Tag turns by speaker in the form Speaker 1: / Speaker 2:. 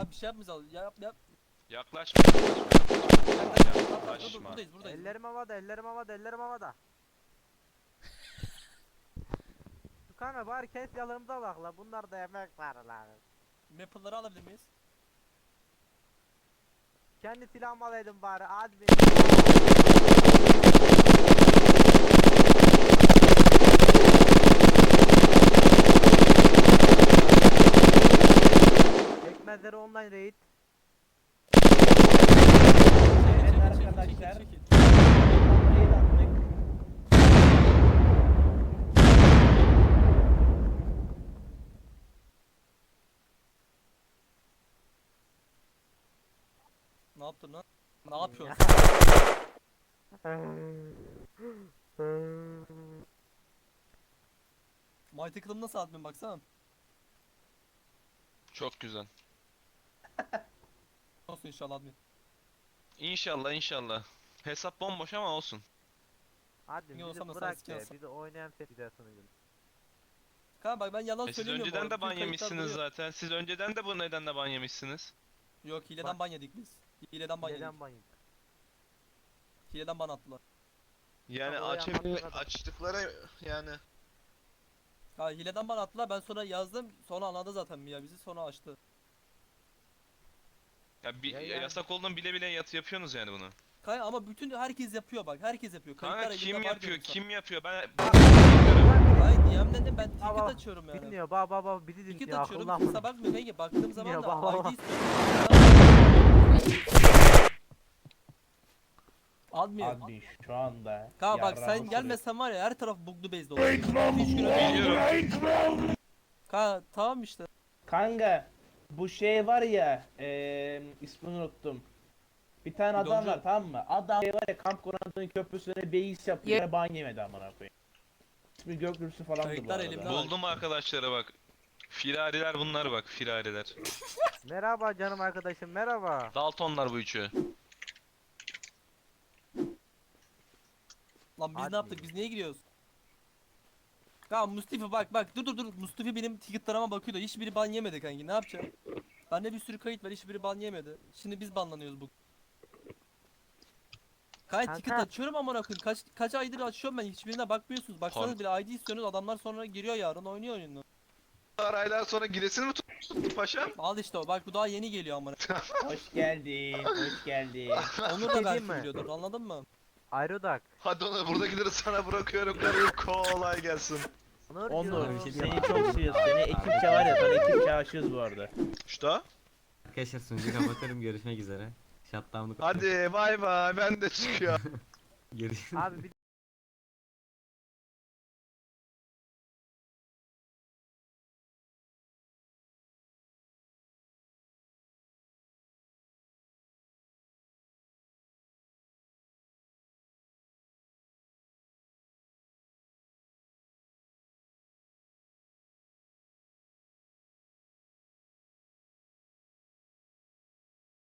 Speaker 1: Abi bir şey yapmayacağız. Yap.
Speaker 2: Yaklaşma.
Speaker 1: Dur, buradayız.
Speaker 3: Ellerim havada, ellerim havada, ellerim havada. Tukan'a bari kes yanımda bak la. Bunlar da yemek var la.
Speaker 1: Maple'ları alabilir miyiz?
Speaker 3: Kendi silahımı alaydım bari. Admin. Pekmezleri online raid.
Speaker 4: Evet arkadaşlar. Raid attık.
Speaker 1: Ne yaptın lan? Ne yapıyorsun? Mighty Club nasıl admin baksana.
Speaker 2: Çok güzel.
Speaker 1: Olsun inşallah admin.
Speaker 2: İnşallah. Hesap bomboş ama olsun.
Speaker 3: Hadi
Speaker 1: Niye olsam
Speaker 3: bizi
Speaker 1: da
Speaker 3: bırak
Speaker 1: sen
Speaker 3: be.
Speaker 1: sikiyorsun.
Speaker 3: Bizi oynayan güzel sunucu.
Speaker 1: Kanka bak ben yalan
Speaker 2: Siz
Speaker 1: söylemiyorum.
Speaker 2: önceden
Speaker 1: bu arada.
Speaker 2: de ban
Speaker 1: Bütün kayıtlar
Speaker 2: yemişsiniz
Speaker 1: duruyor.
Speaker 2: zaten. Siz önceden de bu nedenle ban yemişsiniz.
Speaker 1: Yok hileden ban yedik biz. Hileden ban yedik.
Speaker 3: Neden bayım?
Speaker 1: Hileden ban attılar.
Speaker 2: Yani
Speaker 3: Tabii, o yapmakta kadar.
Speaker 2: açtıkları yani.
Speaker 1: Ha hileden ban attılar ben sonra yazdım sonra anladı zaten Mia bizi sonra açtı.
Speaker 2: Ya bir
Speaker 3: Ya yani.
Speaker 2: yasak olduğunu bile bile yapıyorsunuz yani bunu.
Speaker 1: Kanka ama bütün herkes yapıyor bak herkes yapıyor.
Speaker 2: Kanka
Speaker 1: Kayıtlar
Speaker 2: kim
Speaker 1: elimde var
Speaker 2: yapıyor?
Speaker 1: diyorum sana.
Speaker 2: Kim yapıyor? Ben
Speaker 1: Hayır DM'den de ben ticket
Speaker 3: Baba,
Speaker 1: açıyorum yani.
Speaker 3: Dinliyor baba bizi
Speaker 1: Ticket
Speaker 3: dinliyor
Speaker 1: açıyorum
Speaker 3: akıllanma.
Speaker 1: kimse bakmıyor kanka baktığım zaman
Speaker 3: Dinliyor,
Speaker 1: da
Speaker 3: baba.
Speaker 1: ID istiyorum. Admin.
Speaker 4: Admin şu anda.
Speaker 1: Kanka bak
Speaker 4: yarrağımı
Speaker 1: sen gelmesen var ya her taraf buglu base'de olur. 3 gün
Speaker 2: biliyorum.
Speaker 1: Kanka tamam işte.
Speaker 4: Kanka bu şey var ya ismini unuttum. Bir tane adam
Speaker 1: Bidoncu.
Speaker 4: var tamam mı? Adam şey var ya kamp konağının köprüsüne beis yapıyor. Yeah. Ban yemedi amına koyayım. İsmi Gökyüzü falan bu
Speaker 1: Kayıtlar
Speaker 4: arada.
Speaker 1: elimde var.
Speaker 2: Buldum arkadaşlara bak. Firariler bunlar bak, firariler.
Speaker 3: Merhaba canım arkadaşım merhaba.
Speaker 2: Daltonlar bu üçü.
Speaker 1: Lan biz
Speaker 3: Hadi.
Speaker 1: ne yaptık biz niye giriyoruz? Kanka Mustafa bak dur Mustafa benim ticketlarıma bakıyor da hiçbiri ban yemedi kanki ne yapacağım? Bende bir sürü kayıt var hiçbiri ban yemedi. Şimdi biz banlanıyoruz bu. Kanka ticket
Speaker 3: Kanka.
Speaker 1: açıyorum amına koyayım. Kaç aydır açıyorum ben hiçbirine bakmıyorsunuz. Baksanız bile ID istiyorsunuz adamlar sonra giriyor yarın oynuyor oyunu.
Speaker 2: Aylar sonra giresini mi tuttun paşam?
Speaker 1: Al işte o bak bu daha yeni geliyor amına.
Speaker 4: Hoş geldin, hoş geldin.
Speaker 1: Onur da
Speaker 3: Şey
Speaker 1: belki
Speaker 3: diyeyim mi?
Speaker 1: biliyordur anladın mı?
Speaker 3: Aerodak.
Speaker 2: Hadi onu buradakileri sana bırakıyorum kardeşim. Kolay gelsin.
Speaker 4: Onur,
Speaker 3: diyorum.
Speaker 4: seni çok seviyoruz. Seni ekipçe var ya, sana ekipçe aşığız bu arada.
Speaker 2: Şta.
Speaker 5: Arkadaşlar sunucuyu kapatırım görüşmek üzere. Shutdown'u
Speaker 2: Hadi bay bay ben de çıkıyor.
Speaker 5: Görüşürüz.
Speaker 3: Abi bir